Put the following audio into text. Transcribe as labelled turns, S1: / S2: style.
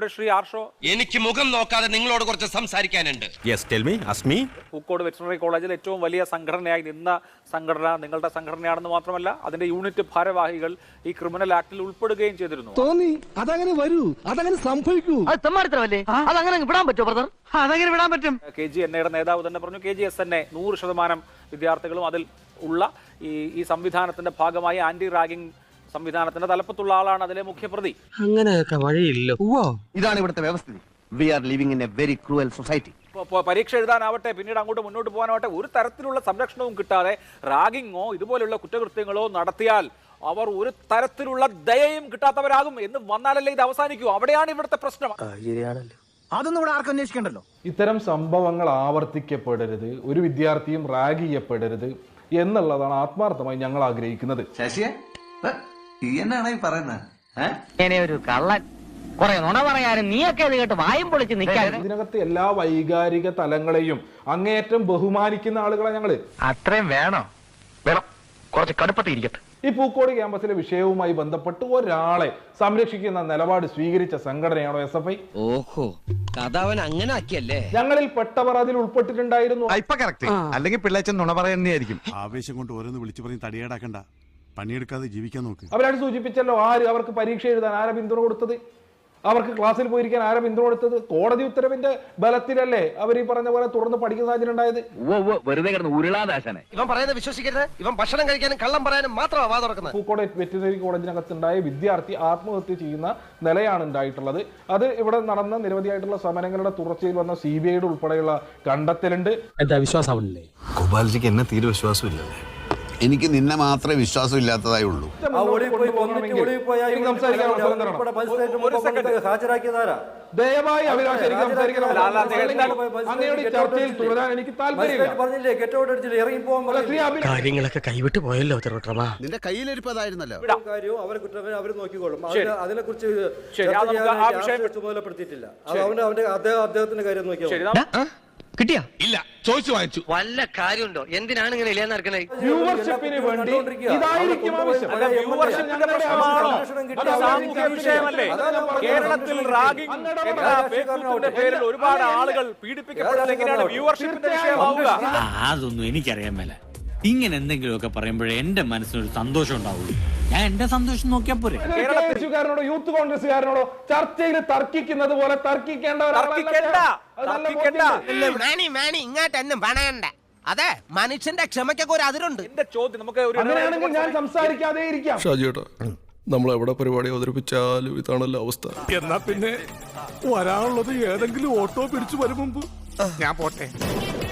S1: ഇവിടെ ശ്രീ ആർഷോ,
S2: എനിക്ക് മുഖം നോക്കാതെ നിങ്ങളോട് കുറച്ച് സംസാരിക്കാനുണ്ട്.
S1: പൂക്കോട് വെറ്ററിനറി കോളേജിൽ ഏറ്റവും വലിയ സംഘടനയായി നിന്ന സംഘടന നിങ്ങളുടെ സംഘടനയാണെന്ന് മാത്രമല്ല അതിന്റെ യൂണിറ്റ് ഭാരവാഹികൾ ഈ ക്രിമിനൽ ആക്ടിൽ ഉൾപ്പെടുകയും ചെയ്തിരുന്നു.
S3: തോന്നി അതങ്ങനെ വരൂ, അതങ്ങനെ സംഭവിക്കൂ.
S4: അതങ്ങനെ വിടാൻ പറ്റുമോ ബ്രദർ? അതങ്ങനെ വിടാൻ പറ്റും.
S1: KGNA നേതാവ് തന്നെ പറഞ്ഞു KGSNA 100% വിദ്യാർത്ഥികളും അതിൽ ഉള്ള ഈ സംവിധാനത്തിന്റെ ഭാഗമായി ആന്റി റാഗിംഗ് സംവിധാനത്തിന്റെ തലപ്പത്തുള്ള ആളാണ് അതിലെ മുഖ്യപ്രതി.
S3: അങ്ങനെയൊക്കെ വഴിയില്ല.
S5: ഇതാണ് ഇവിടുത്തെ വ്യവസ്ഥിതി. We are living in a very cruel society.
S1: പരീക്ഷ എഴുതാനാവട്ടെ പിന്നീട് അങ്ങോട്ട് മുന്നോട്ട് പോകാനാവട്ടെ ഒരു തരത്തിലുള്ള സംരക്ഷണവും കിട്ടാതെ റാഗിങ്ങോ ഇതുപോലുള്ള കുറ്റകൃത്യങ്ങളോ നടത്തിയാൽ അവർ ഒരു തരത്തിലുള്ള ദയയും കിട്ടാത്തവരാകും എന്ന് വന്നാലല്ലേ ഇത് അവസാനിക്കൂ. അവിടെയാണ് ഇവിടുത്തെ പ്രശ്നം.
S5: അതൊന്നും ഇവിടെ ആർക്കും അന്വേഷിക്കണ്ടല്ലോ.
S6: ഇത്തരം സംഭവങ്ങൾ ആവർത്തിക്കപ്പെടരുത്, ഒരു വിദ്യാർത്ഥിയും റാഗ് ചെയ്യപ്പെടരുത് എന്നുള്ളതാണ് ആത്മാർത്ഥമായി ഞങ്ങൾ ആഗ്രഹിക്കുന്നത്.
S7: ശശിയെ എന്നാണ് ഈ പറയുന്നത്?
S4: ഒരു കള്ളൻ കുറെ നുണ പറയാനും നീയൊക്കെ ഇത് കേട്ട് വായും പൊളിച്ച് നിൽക്കാൻ.
S6: ഇതിനകത്ത് എല്ലാ വൈകാരിക തലങ്ങളെയും അങ്ങേയറ്റം ബഹുമാനിക്കുന്ന ആളുകളെ ഞങ്ങള്.
S4: അത്രയും വേണോ? വേണം, കുറച്ച് കടുപ്പത്തിരിക്കട്ടെ.
S6: ഈ പൂക്കോട് ക്യാമ്പസിലെ വിഷയവുമായി ബന്ധപ്പെട്ട് ഒരാളെ സംരക്ഷിക്കുന്ന നിലപാട് സ്വീകരിച്ച സംഘടനയാണോ SFI?
S2: ഓഹോ, കഥ അവൻ അങ്ങനെ ആക്കിയല്ലേ.
S6: ഞങ്ങളിൽ പെട്ടവർ അതിൽ ഉൾപ്പെട്ടിട്ടുണ്ടായിരുന്നു.
S8: അല്ലെങ്കിൽ പിള്ളേച്ചൻ നുണ പറയുന്നതായിരിക്കും.
S9: ആവേശം കൊണ്ട് ഓരോന്ന് വിളിച്ചു പറഞ്ഞ് തടിയേടാക്കണ്ട, പണിയെടുക്കാതെ ജീവിക്കാൻ നോക്ക്.
S6: അവരാണ് സൂചിപ്പിച്ചല്ലോ അവർക്ക് പരീക്ഷ എഴുതാൻ ആരാ പിന്തുണ കൊടുത്തത്, അവർക്ക് ക്ലാസ്സിൽ പോയിരിക്കാൻ ആരാ പിന്തുണ കൊടുത്തത്? കോടതി ഉത്തരവിന്റെ ബലത്തിലല്ലേ അവർ ഈ പറഞ്ഞ പോലെ തുടർന്ന് പഠിക്കുന്ന സാഹചര്യം ഉണ്ടായത്.
S4: വെറുതെ കിടന്ന് ഉരുളാദാശനെ.
S2: ഇവൻ പറയുന്നത് വിശ്വസിക്കരുത്. ഇവൻ ഭക്ഷണം കഴിക്കാനും കള്ളം പറയാനും മാത്രമാണ് വാ തുറക്കുന്നത്.
S6: പൂക്കോട് വെറ്ററിനറി കോളേജിനകത്തുണ്ടായ വിദ്യാർത്ഥി ആത്മഹത്യ ചെയ്യുന്ന നിലയാണ് ഉണ്ടായിട്ടുള്ളത്. അത് ഇവിടെ നടന്ന നിരവധിയായിട്ടുള്ള സമരങ്ങളുടെ തുടർച്ചയിൽ വന്ന CBIയുടെ ഉൾപ്പെടെയുള്ള കണ്ടെത്തലുണ്ട്.
S3: എന്താ വിശ്വാസമാവില്ലേ?
S8: ഗോപാൽജിക്ക് എന്നെ തീരെ വിശ്വാസമില്ല.
S9: എനിക്ക് നിന്നെ മാത്രമേ വിശ്വാസം ഇല്ലാത്തതായി ഉള്ളൂ.
S6: ദയവായി അഭിലാഷ് എനിക്ക് സംസാരിക്കണം. അങ്ങയുടെ ചർച്ചയിൽ തുടരാൻ എനിക്ക് താല്പര്യമില്ല.
S3: കാര്യങ്ങളൊക്കെ കൈവിട്ട് പോയല്ലോ തിരുവട്ടമാ.
S9: നിന്റെ കയ്യിലിരിപ്പതായിരുന്നല്ലോ.
S10: അവര് നോക്കിക്കോളും. അതിനെ കുറിച്ച് ചുമതലപ്പെടുത്തിയിട്ടില്ല. അദ്ദേഹത്തിന്റെ കാര്യം നോക്കിയാൽ
S4: കിട്ടിയാ
S2: ഇല്ല, ചോദിച്ചു വാങ്ങിച്ചു.
S4: വല്ല കാര്യമുണ്ടോ? എന്തിനാണ് ഇങ്ങനെ ഇല്ലാന്ന് നടക്കണേ?
S6: വ്യൂവർഷിപ്പിന് വേണ്ടി ഇതായിരിക്കും ആവശ്യം.
S1: സാമൂഹ്യ വിഷയമല്ലേ? കേരളത്തിൽ റാഗിംഗ് എന്ന പേരിൽ ഒരുപാട് ആളുകൾ പീഡിപ്പിക്കപ്പെടുന്നത് എങ്ങനെയാണ് വ്യൂവർഷിപ്പിന്റെ വിഷയമാവുക?
S11: അതൊന്നും എനിക്കറിയാൻ മേല. ഇങ്ങനെ എന്തെങ്കിലുമൊക്കെ പറയുമ്പോഴേ എന്റെ മനസ്സിനൊരു സന്തോഷം ഉണ്ടാവുള്ളൂ. ഞാൻ എന്റെ സന്തോഷം നോക്കിയാ പോരെ.
S6: കേരളത്തിലുകാരനോടോ യൂത്ത് കോൺഗ്രസ്സുകാരനോടോ ചർച്ചയിൽ തർക്കിക്കുന്നത് പോലെ
S2: ഇങ്ങോട്ടെന്നും പണയണ്ട. അതെ, മനുഷ്യന്റെ ക്ഷമയ്ക്കൊക്കെ ഒരു അതിരുണ്ട്.
S1: എന്റെ ചോദ്യം നമുക്ക്
S6: അങ്ങനെയാണെങ്കിൽ ഞാൻ സംസാരിക്കാതെ ഇരിക്കാം.
S8: ഷാജിയേട്ടാ, നമ്മൾ എവിടെ പരിപാടി അവതരിപ്പിച്ചാലും ഇതാണല്ലോ അവസ്ഥ.
S9: എന്നാ പിന്നെ വരാനുള്ളത് ഏതെങ്കിലും ഓട്ടോ പിടിച്ചു വരും മുമ്പ് ഞാൻ പോട്ടെ.